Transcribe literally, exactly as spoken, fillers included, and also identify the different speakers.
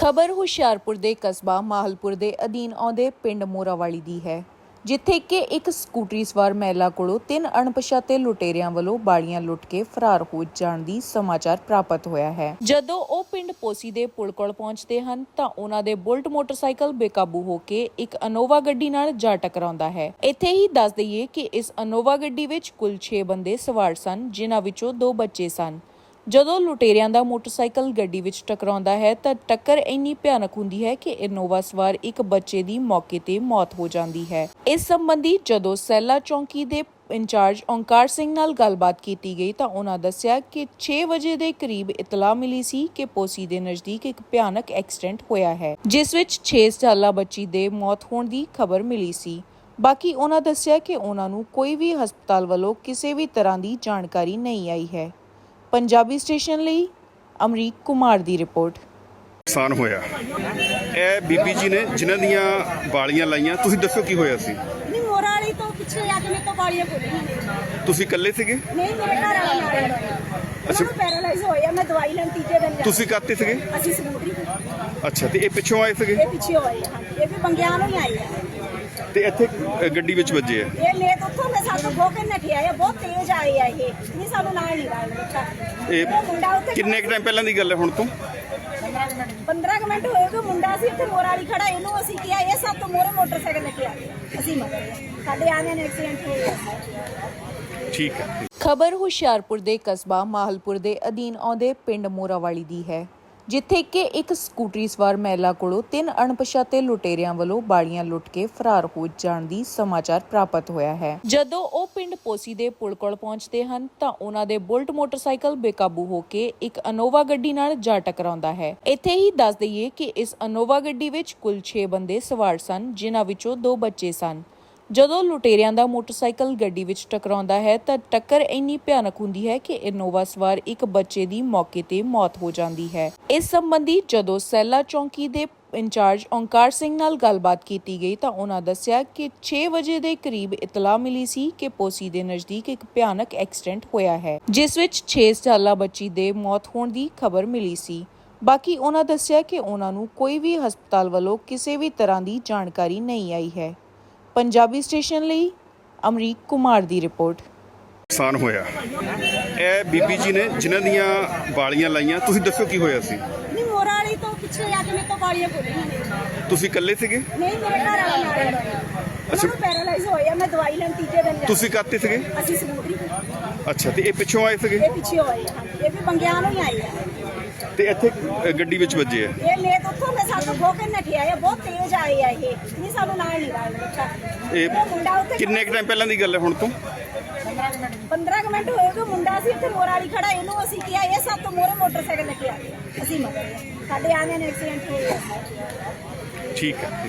Speaker 1: ਖਬਰ ਹੁਸ਼ਿਆਰਪੁਰ ਦੇ ਕਸਬਾ ਮਾਹਲਪੁਰ ਦੇ ਅਧੀਨ ਆਉਂਦੇ ਪਿੰਡ ਮੋਰਾਵਾਲੀ ਦੀ ਹੈ, ਜਿੱਥੇ ਕਿ ਇੱਕ ਸਕੂਟਰੀ ਸਵਾਰ ਮਹਿਲਾ ਕੋਲੋਂ ਤਿੰਨ ਅਣਪਛਾਤੇ ਲੁਟੇਰਿਆਂ ਵੱਲੋਂ ਬਾਲੀਆਂ ਲੁੱਟ ਕੇ ਫਰਾਰ ਹੋ ਜਾਣ ਦੀ ਸਮਾਚਾਰ ਪ੍ਰਾਪਤ ਹੋਇਆ ਹੈ। ਜਦੋਂ ਉਹ ਪਿੰਡ ਪੋਸੀ ਦੇ ਪੁਲ ਕੋਲ ਪਹੁੰਚਦੇ ਹਨ ਤਾਂ ਉਹਨਾਂ ਦੇ ਬੁਲਟ ਮੋਟਰਸਾਈਕਲ ਬੇਕਾਬੂ ਹੋ ਕੇ ਇੱਕ ਅਨੋਵਾ ਗੱਡੀ ਨਾਲ ਜਾ ਟਕਰਾਉਂਦਾ ਹੈ। ਇੱਥੇ ਹੀ ਦੱਸ ਦਈਏ ਕਿ ਇਸ ਅਨੋਵਾ ਗੱਡੀ ਵਿੱਚ ਕੁੱਲ ਛੇ ਬੰਦੇ ਸਵਾਰ ਸਨ, ਜਿਨ੍ਹਾਂ ਵਿੱਚੋਂ ਦੋ ਬੱਚੇ ਸਨ। ਜਦੋਂ ਲੁਟੇਰਿਆਂ ਦਾ ਮੋਟਰਸਾਈਕਲ ਗੱਡੀ ਵਿੱਚ ਟਕਰਾਉਂਦਾ ਹੈ ਤਾਂ ਟੱਕਰ ਇੰਨੀ ਭਿਆਨਕ ਹੁੰਦੀ ਹੈ ਕਿ ਇਨੋਵਾ ਸਵਾਰ ਇੱਕ ਬੱਚੇ ਦੀ ਮੌਕੇ ਤੇ ਮੌਤ ਹੋ ਜਾਂਦੀ ਹੈ। ਇਸ ਸੰਬੰਧੀ ਜਦੋਂ ਸੈਲਾ ਚੌਂਕੀ ਦੇ ਇੰਚਾਰਜ ਓਂਕਾਰ ਸਿੰਘ ਨਾਲ ਗੱਲਬਾਤ ਕੀਤੀ ਗਈ ਤਾਂ ਉਹਨਾਂ ਦੱਸਿਆ ਕਿ ਛੇ ਵਜੇ ਦੇ ਕਰੀਬ ਇਤਲਾਹ ਮਿਲੀ ਸੀ ਕਿ ਪੋਸੀ ਦੇ ਨਜ਼ਦੀਕ ਇੱਕ ਭਿਆਨਕ ਐਕਸੀਡੈਂਟ ਹੋਇਆ ਹੈ, ਜਿਸ ਵਿੱਚ ਛੇ ਸਾਲਾ ਬੱਚੀ ਦੇ ਮੌਤ ਹੋਣ ਦੀ ਖਬਰ ਮਿਲੀ ਸੀ। ਬਾਕੀ ਉਹਨਾਂ ਦੱਸਿਆ ਕਿ ਉਹਨਾਂ ਨੂੰ ਕੋਈ ਵੀ ਹਸਪਤਾਲ ਵੱਲੋਂ ਕਿਸੇ ਵੀ ਤਰ੍ਹਾਂ ਦੀ ਜਾਣਕਾਰੀ ਨਹੀਂ ਆਈ ਹੈ। पंजाबी स्टेशन ਲਈ ਅਮਰੀਕ ਕੁਮਾਰ ਦੀ ਰਿਪੋਰਟ।
Speaker 2: ਨੁਕਸਾਨ ਹੋਇਆ ਇਹ ਬੀਬੀ ਜੀ ਨੇ ਜਿਨ੍ਹਾਂ ਦੀਆਂ ਵਾਲੀਆਂ ਲਾਈਆਂ, ਤੁਸੀਂ ਦੱਸੋ ਕੀ ਹੋਇਆ ਸੀ?
Speaker 3: ਨਹੀਂ, ਮੋਰਾਲੀ ਤੋਂ ਪਿੱਛੇ ਆ ਕੇ ਮੇਰੇ ਤੋਂ ਵਾਲੀਆਂ ਖੋਲੀਆਂ।
Speaker 2: ਤੁਸੀਂ ਇਕੱਲੇ ਸੀਗੇ?
Speaker 3: ਨਹੀਂ, ਮੇਰੇ ਘਰ ਵਾਲਾ ਨਾਲ ਹੋਇਆ। ਅੱਛਾ, ਪੈਰਾਲਾਈਜ਼ ਹੋਇਆ। ਮੈਂ ਦਵਾਈ ਲੈਣ ਤੀਜੇ ਦਿਨ ਜਾ।
Speaker 2: ਤੁਸੀਂ ਕਾਹਤੇ ਸੀਗੇ?
Speaker 3: ਅਸੀਂ ਸਕੂਟਰੀ ਤੇ।
Speaker 2: ਅੱਛਾ, ਤੇ ਇਹ ਪਿੱਛੋਂ ਆਏ ਸੀਗੇ?
Speaker 3: ਇਹ ਪਿੱਛੇ ਆਏ ਹਨ, ਇਹ ਵੀ ਬੰਗਿਆਂ ਨੂੰ ਹੀ ਆਏ ਆ
Speaker 2: ਤੇ ਇੱਥੇ ਗੱਡੀ ਵਿੱਚ ਵੱਜੇ ਆ?
Speaker 3: ਇਹ ਲੈ ਤੋਂ ਉੱਥੋਂ ਮੈਂ ਸਾਨੂੰ ਖੋ ਕੇ ਨੱਠਿਆ ਆ, ਬਹੁਤ ਤੇਜ਼ ਆਏ ਆ। ਇਹ ਨਹੀਂ ਸਾਨੂੰ ਨਾਲ ਨਹੀਂ ਲਾਇਆ ਦਿੱਤਾ।
Speaker 2: ਇਹ
Speaker 3: ਮੁੰਡਾ ਉੱਥੇ
Speaker 2: ਕਿੰਨੇ ਕੁ ਟਾਈਮ ਪਹਿਲਾਂ ਦੀ ਗੱਲ ਹੈ ਹੁਣ ਤੋਂ?
Speaker 3: ਪੰਦਰਾਂ ਕੁ ਮਿੰਟ ਹੋਏ ਕਿ ਮੁੰਡਾ ਸੀ ਇੱਥੇ ਮੋਰਾਲੀ ਖੜਾ, ਇਹਨੂੰ ਅਸੀਂ ਕਿਹਾ ਇਹ ਸਭ ਤੋਂ ਮੋਰੇ ਮੋਟਰਸਾਈਕਲ ਲੈ ਕੇ ਆ ਗਏ। ਅਸੀਂ ਮਗਰ ਸਾਡੇ ਆਨੇ ਨੇ ਐਕਸੀਡੈਂਟ ਹੋਇਆ।
Speaker 2: ਠੀਕ ਹੈ।
Speaker 1: ਖਬਰ ਹੁਸ਼ਿਆਰਪੁਰ ਦੇ ਕਸਬਾ ਮਾਹਲਪੁਰ ਦੇ ਅਧੀਨ ਆਉਂਦੇ ਪਿੰਡ ਮੋਰਾਵਾਲੀ ਦੀ ਹੈ, ਜਿੱਥੇ ਕਿ ਇੱਕ ਸਕੂਟਰੀ ਸਵਾਰ ਮਹਿਲਾ ਕੋਲੋਂ ਤਿੰਨ ਅਣਪਛਾਤੇ ਲੁਟੇਰਿਆਂ ਵੱਲੋਂ ਬਾਲੀਆਂ ਲੁੱਟ ਕੇ ਫਰਾਰ ਹੋ ਜਾਣ ਦੀ ਸਮਾਚਾਰ ਪ੍ਰਾਪਤ ਹੋਇਆ ਹੈ। ਜਦੋਂ ਉਹ ਪਿੰਡ ਪੋਸੀ ਦੇ ਪੁਲ ਕੋਲ ਪਹੁੰਚਦੇ ਹਨ ਤਾਂ ਉਹਨਾਂ ਦੇ ਬੁਲਟ ਮੋਟਰਸਾਈਕਲ ਬੇਕਾਬੂ ਹੋ ਕੇ ਇੱਕ ਅਨੋਵਾ ਗੱਡੀ ਨਾਲ ਜਾ ਟਕਰਾਉਂਦਾ ਹੈ। ਇੱਥੇ ਹੀ ਦੱਸ ਦਈਏ ਕਿ ਇਸ ਅਨੋਵਾ ਗੱਡੀ ਵਿੱਚ ਕੁੱਲ ਛੇ ਬੰਦੇ ਸਵਾਰ ਸਨ, ਜਿਨ੍ਹਾਂ ਵਿੱਚੋਂ ਦੋ ਬੱਚੇ ਸਨ। ਜਦੋਂ ਲੁਟੇਰਿਆਂ ਦਾ ਮੋਟਰਸਾਈਕਲ ਗੱਡੀ ਵਿੱਚ ਟਕਰਾਉਂਦਾ ਹੈ ਤਾਂ ਟੱਕਰ ਇੰਨੀ ਭਿਆਨਕ ਹੁੰਦੀ ਹੈ ਕਿ ਇਨੋਵਾ ਸਵਾਰ ਇੱਕ ਬੱਚੇ ਦੀ ਮੌਕੇ ਤੇ ਮੌਤ ਹੋ ਜਾਂਦੀ ਹੈ। ਇਸ ਸੰਬੰਧੀ ਜਦੋਂ ਸੈਲਾ ਚੌਂਕੀ ਦੇ ਇੰਚਾਰਜ ਓਂਕਾਰ ਸਿੰਘ ਨਾਲ ਗੱਲਬਾਤ ਕੀਤੀ ਗਈ ਤਾਂ ਉਹਨਾਂ ਦੱਸਿਆ ਕਿ ਛੇ ਵਜੇ ਦੇ ਕਰੀਬ ਇਤਲਾਹ ਮਿਲੀ ਸੀ ਕਿ ਪੋਸੀ ਦੇ ਨਜ਼ਦੀਕ ਇੱਕ ਭਿਆਨਕ ਐਕਸੀਡੈਂਟ ਹੋਇਆ ਹੈ, ਜਿਸ ਵਿੱਚ ਛੇ ਸਾਲਾ ਬੱਚੀ ਦੇ ਮੌਤ ਹੋਣ ਦੀ ਖਬਰ ਮਿਲੀ ਸੀ। ਬਾਕੀ ਉਹਨਾਂ ਦੱਸਿਆ ਕਿ ਉਹਨਾਂ ਨੂੰ ਕੋਈ ਵੀ ਹਸਪਤਾਲ ਵੱਲੋਂ ਕਿਸੇ ਵੀ ਤਰ੍ਹਾਂ ਦੀ ਜਾਣਕਾਰੀ ਨਹੀਂ ਆਈ ਹੈ। पंजाबी स्टेशन ਲਈ ਅਮਰੀਕ ਕੁਮਾਰ ਦੀ ਰਿਪੋਰਟ।
Speaker 2: ਨੁਕਸਾਨ ਹੋਇਆ ਇਹ ਬੀਬੀ ਜੀ ਨੇ ਜਿਨ੍ਹਾਂ ਦੀਆਂ ਵਾਲੀਆਂ ਲਾਈਆਂ, ਤੁਸੀਂ ਦੱਸੋ ਕੀ ਹੋਇਆ ਸੀ?
Speaker 3: ਨਹੀਂ, ਮੋਰਾਲੀ ਤੋਂ ਪਿੱਛੇ ਆ ਕੇ ਮੇਰੇ ਤੋਂ ਵਾਲੀਆਂ ਖੋਲੀਆਂ।
Speaker 2: ਤੁਸੀਂ ਇਕੱਲੇ ਸੀਗੇ?
Speaker 3: ਨਹੀਂ, ਮੇਰੇ ਘਰ ਵਾਲਾ ਨਾਲ ਹੋਇਆ। ਅੱਛਾ, ਪੈਰਾਲਾਈਜ਼ ਹੋਇਆ। ਮੈਂ ਦਵਾਈ ਲੈਣ ਤੀਜੇ ਦਿਨ ਜਾ।
Speaker 2: ਤੁਸੀਂ ਕਾਹਤੇ ਸੀਗੇ?
Speaker 3: ਅਸੀਂ ਸਕੂਟਰੀ ਤੇ।
Speaker 2: ਅੱਛਾ, ਤੇ ਇਹ ਪਿੱਛੋਂ ਆਏ ਸੀਗੇ?
Speaker 3: ਇਹ ਪਿੱਛੇ ਆਏ ਹਨ, ਇਹ ਵੀ ਬੰਗਿਆਂ ਨੂੰ ਹੀ ਆਏ ਆ
Speaker 2: ਤੇ ਇੱਥੇ ਗੱਡੀ ਵਿੱਚ ਵੱਜੇ ਆ?
Speaker 3: ਇਹ ਲੈ ਤੋਂ ਉੱਥੋਂ ਮੈਂ ਸਾਨੂੰ ਖੋ ਕੇ ਨੱਠਿਆ ਆ, ਬਹੁਤ ਤੇਜ਼ ਆਏ ਆ। ਇਹ ਨਹੀਂ ਸਾਨੂੰ ਨਾਲ ਨਹੀਂ ਲਾਇਆ ਦਿੱਤਾ।
Speaker 2: ਇਹ
Speaker 3: ਮੁੰਡਾ ਉੱਥੇ
Speaker 2: ਕਿੰਨੇ ਕੁ ਟਾਈਮ ਪਹਿਲਾਂ ਦੀ ਗੱਲ ਹੈ ਹੁਣ ਤੋਂ?
Speaker 3: ਪੰਦਰਾਂ ਕੁ ਮਿੰਟ ਹੋਏ ਕਿ ਮੁੰਡਾ ਸੀ ਇੱਥੇ ਮੋਰਾਲੀ ਖੜਾ, ਇਹਨੂੰ ਅਸੀਂ ਕਿਹਾ ਇਹ ਸਭ ਤੋਂ ਮੋਰੇ ਮੋਟਰਸਾਈਕਲ ਲੈ ਕੇ ਆ ਗਏ। ਅਸੀਂ ਮਗਰ ਸਾਡੇ ਆਨੇ ਨੇ ਐਕਸੀਡੈਂਟ ਹੋਇਆ।
Speaker 2: ਠੀਕ ਹੈ।